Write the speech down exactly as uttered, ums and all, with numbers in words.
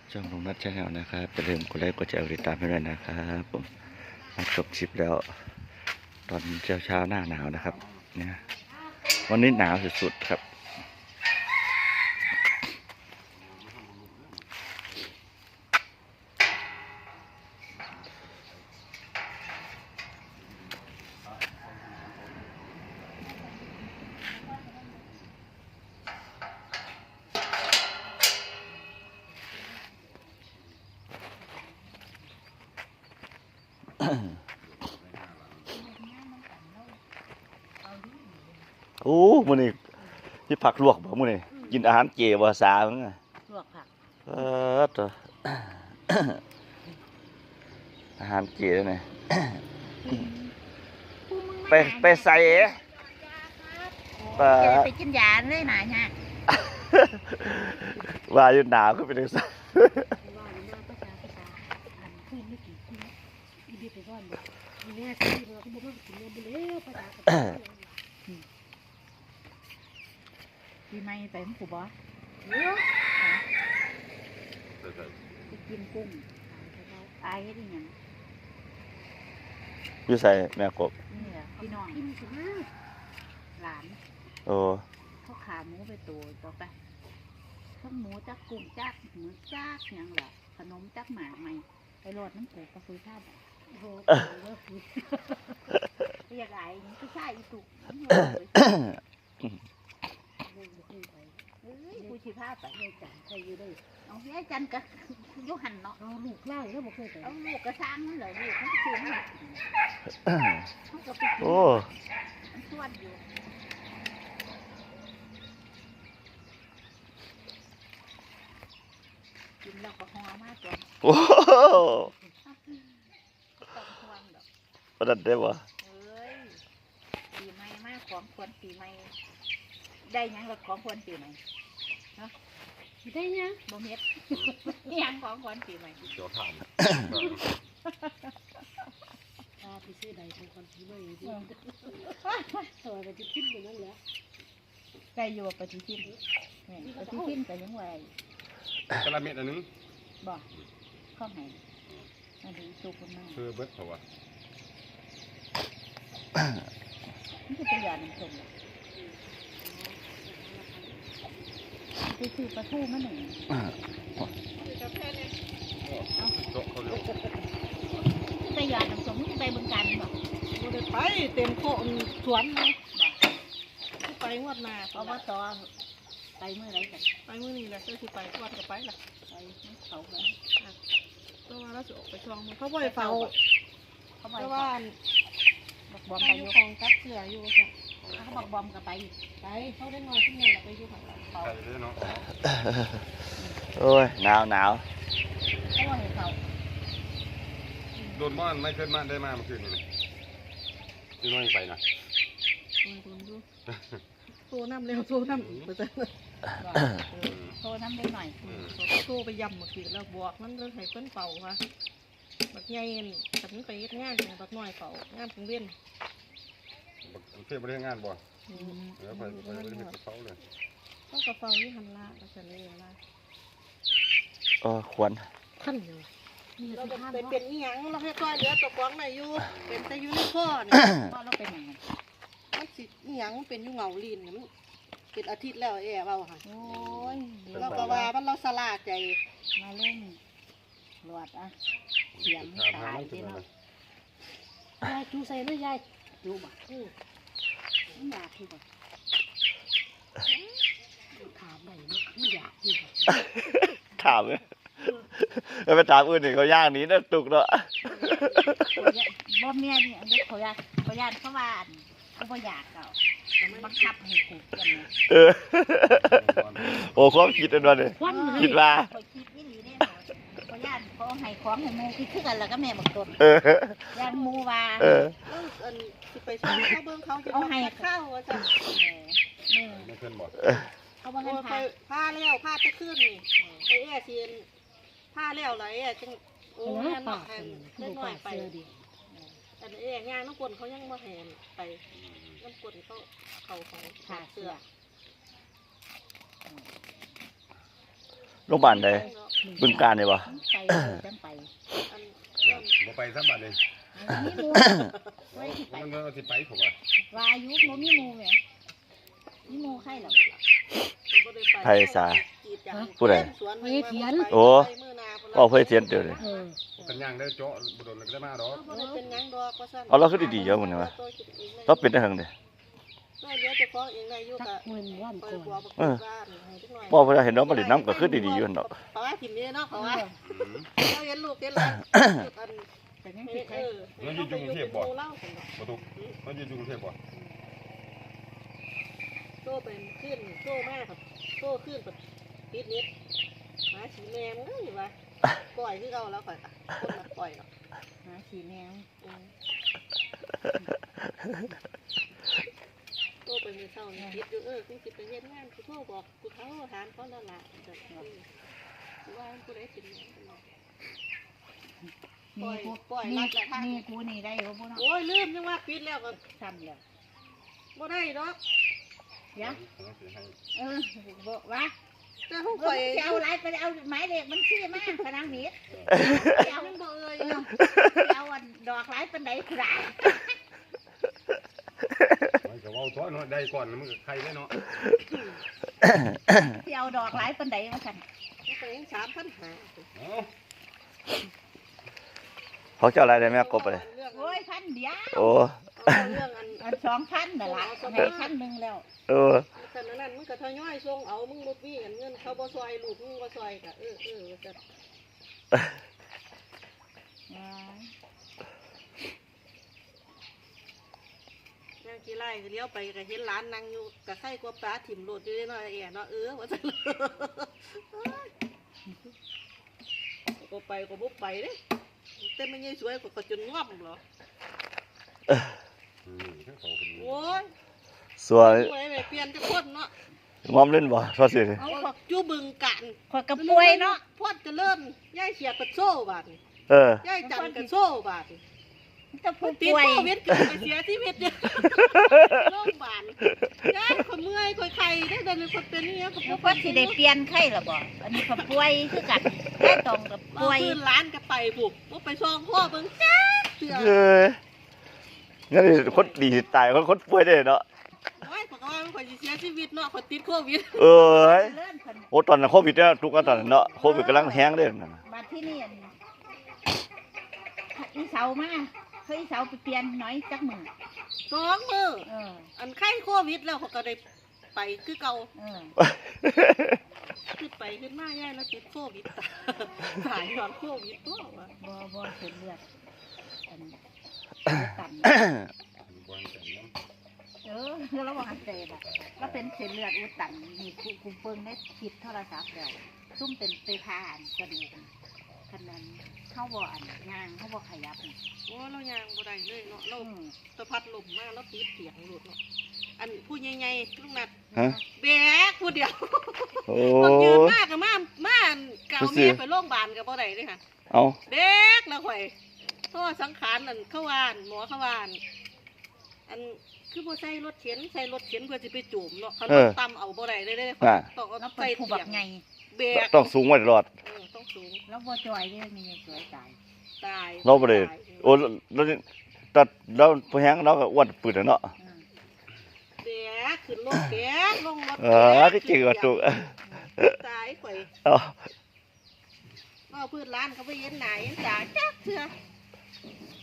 ช่องลุงนัทชาแนลนะครับอย่าลืมกดไลค์กดแชร์ติดตามให้ด้วยนะครับผมมาจบคลิปแล้ว ตอนเช้าเช้าหน้าหนาวนะครับเนี่ยวันนี้หนาวสุดๆครับโอ้มื้อนี้ที่ผักลวกบ่มื้อนี้กินอาหารเจบ่สามึงอ่ะลวกผักเออตัว อาหารเจแล้วนี่ ไปไปใส่ไปไปกินยาเลยหนาเนี่ยว่าอยู่หนาวก็เป็นจังซั่นปีใหม่ไปมั้งกูบอสไปกินกุ้งอายให้ดิยังอยู่ใส่แม่กบนี่แหละพี่น้องหลานโอ้เขาขาหมูไปตัวต่อไปทั้งหมูจักกุ้งจักหมูจักยังหรอขนมจักหมากใหม่ไปโรดน้ำปูกระฟุยข้าวโอ้โหเรียกไอ้นี่ก็ใช่อีตุกเอ้ยกูชีพาไปยายจันใครอยู่ด้วยเอายายจันกับยุหันเนาะเอาลูกไล่แล้วบอกเคยไปเอาลูกกระซังนั่นเหรอลูกเขาก็ซื้อมาเขาก็ไปกินมันชวนอยู่กินแล้วก็ห่อมากจ้ะโอ้ต้องห่วงดอกประดับได้บ่เอ้ยปีใหม่มากของควรปีใหม่ได้ยังกับของควรปีใหม่เนาะได้ยังบ่เม็ดยังของควรปีใหม่เดี๋ยวถามอ่าพี่ซื้อใดของควรปีใหม่ดิเออไปที่ทิ้งไปนั่นแหละไก่อยู่ไปที่ทิ้งไปที่ทิ้งไปยังไงกระเม็ดอันนึงบ่ข้าวไหนมาดูสุกมันมากคือเบิดเพราะว่านี่คือตัวอย่างหนึ่งชมไปซื้อปลาทูมาหนึ่งไปหยอดน้ำส้มไปบึงการบอกบ่ได้ไปเต็มโคสวนเลยบอกไปงวดหน้าเพราะว่าต่อไปเมื่อไรกันไปเมื่อนี้แหละก็คือไปวัดก็ไปล่ะไปเขาเลยตัวว่าเราจะออกไปช่องมันเขาบ่อยเฝ้าเขาบอกว่าบอกบอมไปไปออยู่ยู่ของกักเสืออยู่จ้ะเขาบอกบอมกับไปไปเขาได้นอนที่นั่นแหละไปอยู่ของเขาใช่เลยเนาะโอ้ยหนาวหนาวเขาบอกให้เขาโดนบ้านไม่เคยมาได้มาเมื่อคืนนี่นี่น้อยไปนะโดนดูโตน้ำเร็วโตน้ำไปเจอโทรน้ำได้หน่อยโตไปยำเมื่อคืนแล้วบวกมันเลยให้เพิ่นเป่าค่ะบักใหญ่ฉันไปงานบักน้อยเป่างานของเวียนเพื่อนไปเรื่องงานบ่เดี๋ยวไปไปไปเห็นเขาเลยต้องกระเป๋านี่หันละแล้วฉันเลยละเออควรขั้นอยู่เราเป็นเป็นอีหยังเราให้ก้อยเหลือตัวกวางหน่อยอยู่เป็นแต่อยู่ในข้อเนี่ยพ่อเราเป็นยังไงมันสิอีหยังเป็นอยู่เงาลีนเนี่ยมันเป็นอาทิตย์แล้วแอบเอาค่ะโอ้ยเราก็ว่ามันเราสลาดใจมาเล่นหลวดอ่ะเสียงตายที่เนาะยายจูใส่เลยยายดูบ่อือไม่อยากที่บ่ถามได้ไหมไม่อยากที่บ่ถามเลยแล้วไปถามอื่นนี่เขาย่างนี้นะตุกเนาะบ่เมียนี่อันนี้เขาอยากเขาอยากเขาว่าเขาบ่อยากเก่าบังคับให้กูกันนะเออโอ้ความคิดอันนั้นเลยคิดว่าเขาคิดนี่หลีเนี่ยเขาอยากเขาให้ของให้มูคิดคือกันแล้วก็แม่บักต้นอยากมูว่าเออสิไปซื้อเขาเบิ่งเขาเอาให้ข้าวว่าจ้ะนี่ไม่เพื่อนบอกเขาบอกให้ผ้าผ้าแล้วผ้าจะขึ้นนี่ไอ้แอ่เทียนผ้าแล้วไรอ่ะจังโอ้ยหนักแทนเล่นหน่อยไปแต่ไอ้แอ่งานน้ำกลเขายังมาแหนไปน้ำกลเขาเขาเขาขาเสื้อโรงพยาบาลใดบึงการนี่บ่ไปเลยจังไปอันบ่ไปซ้ำบัดเลยมีหมูไว้ที่ไปมันก็สิไปผมว่าวายุบ่มีหมูแหมมีหมูใครหรอบ่ได้ไปไผสาจีดจังผู้ใดสวนมันมาโอ้ไปมื้อหน้าพุ่นพ่อเพื่อเทียนเดียวเลยเออกันย่างได้เจาะบ่โดนก็ได้มาดอกบ่ได้เป็นหยังดอกว่าซั่นเอาเราคือดีๆเยอะหมดเลยวะเราเป็นได้เฮงเด้น้อยเดียวเจะฟ้าของเองได้อยู่สักะกมื้อว่านไปก่อนบัวบักเออบ้านให้จักหน่อยพ่อเวลาเห็นน้องมาเล่นน้ำก็คือดีๆอยู่หั่นดอกเพราะว่าถิ่มนี้เนาะเพราะว่าอืมเราเห็นลูกเห็นหลานอันแต่ยังเอสิใครอเราอยู่กรุงเทพบ่เล่าซั่นดอกบ่ตุกมันอยู่กรุงเทพบ่โซ่เป็นขึ้นโซ่มากครับโซ่ขึ้นแบบปิดนิดหมาสีแมงเอ้ยว่าปล่อยคือเอาแล้วข่อยอะคนละปล่อยหรอกหาสีแนวอืมโซ่ไปมือเศร้านี่คิดอยู่เออกูสิไปเฮ็ดงานกูโทรบอกกูเขาถามเขานั่นล่ะแต่เออกูว่ากูได้สินเนี่ย ปล่อยปล่อยรัดละทางนี่กูนี่ได้บ่บ่เนาะโอ้ยลืมยังว่าปิดแล้วก็ทำแล้วบ่ได้ดอกเดี๋ยวผมสิให้เออบ่ว่าแต่ห้องเอข่อยอจะเอาอะไรไปเอาหมายเลขมันชื่อมาพนังนี้เอามันบ่เอ่ยเออเอาอันดอกหลายปานใดครามันก็เว้าท้อเนาะได้ก่อนมันก็ใครได้เนาะสิเอาดอกหลายปานใดว่าซั่นมันไปยังสามพันห้าเอ้าเขาเจ้าอะไรได้แม่กบไปเลยเรื่องโอ้ยพันเดียวโอ้เอาเรื่องอันอันสองพันน่ะล่ะให้พันหนึงแล้วเออแต่นั้นนั้นมึงก็ทยอยส่งเอามึงบ่มีเงินเขาบ่ซอยลูกมึงบ่ซอยก็เออเออว่าจังย่างกี่ไร่ก็เลี้ยวไปก็เห็นหลานนั่งอยู่ก็ไข่กว่าปลาถิ่มโลดอยู่เนาะไอ้แอ๋เนาะเออว่าจังก็ไปก็บ่ไปเด้แต่มันยังสวยกว่าก็จนง่อมเหรออืมเขาเป็นโอ้ยสวยสวยแบบเปลี่ยนจะพ่นเนาะมอมเล่นบ่ทอดสิเอาขอกจูบึงกันข่อยก็ป่วยเนาะพ่นจะเริ่มย่ายเฉียดกับโซ่บาดเออย่ายจันกับโซ่บาดจะผู้ติดป่วยโควิดเกิดไปเสียชีวิตเนี่ยโรงพยาบาลย่ายคนเมื่อยคนไข้ได้เดินเป็นคนเป็นนี่ก็แล้วก็สิได้เปลี่ยนไข้ล่ะบ่อันนี้ก็ป่วยคือกันได้ตรงกับป่ป่ววย ยคืนร้านก็ไปบุกว่าไปซองพ่อเบิ่งจ้าเสือเอองั้นนี่คนดีสิตายคนคนป่วยได้เนาะโอ้ยบอกว่ามันคนสิเสียชีวิตเนาะคนติดโควิดเอ้ยเลื่อนคนโอ้ตอนนั้นโควิดเนี่ยทุกข์ตอนนั้นเนาะโควิดกำลังแห้งเลยนั่นน่ะมาที่นี่อันอีเสามาเคยอีเสาไปเปลี่ยนหน่อยจักมือสองมือเอออันไข้โควิดแล้วเขาก็ได้ไปคือเก่าเออขึ้นไปขึ้นมาย่ายแล้วติดโควิดตายตอนโควิดตัววะบ่บ่เส้นเลือดอันตันบอลกันน้เออคือระหว่างอันเสพอ่ะแล้วเป็นเส้นเลือดอุดตันนี่กูกูเบิ่งได้คลิปโทรศัพท์แล้วซุ่มเป็นไปผ่าอันกระดูกขนาดเข้าบ่อันย่างเข้าบ่ขยับนี่โอ้เรายางบ่ได้เลยเนาะเราอืมสะพัดลมมากแล้วติดเสียงหลุดเนาะอันผู้ใหญ่ๆลุงนัดฮะแบกผู้เดียวโอ้คนยืนมากกับมามาเก่าเมียไปโรงพยาบาลกับบ่ได้เลยค่ะเอาเด็กแล้วข่อยเพราะว่าสังขารนั่นเขาวานหมอเขาวานอันคือบ่ใส่รถเข็นใส่รถเข็นเพื่อสิไปจูมเนาะเขารถต่ำเอาบ่ได้เลยเด้อน่ะต้องเอาแล้วเป็ใส่นผู้เสีแบยบงไงแบกต้องสูงไว้ตลอดเออต้องสูงแล้วบ่จอยเด้มีสวยตายตายเราบ่ได้ตายโอ้แล้วตัดแล้วพอแห้งเราก็อ้วนปืดอะเนาะอืมแบกขึ้นรถแบกลงรถเออก็จริงว่าตุกตายข่อยเอาเอาพืชร้านเขาไปเย็นไหนจ้าจักเถื่อ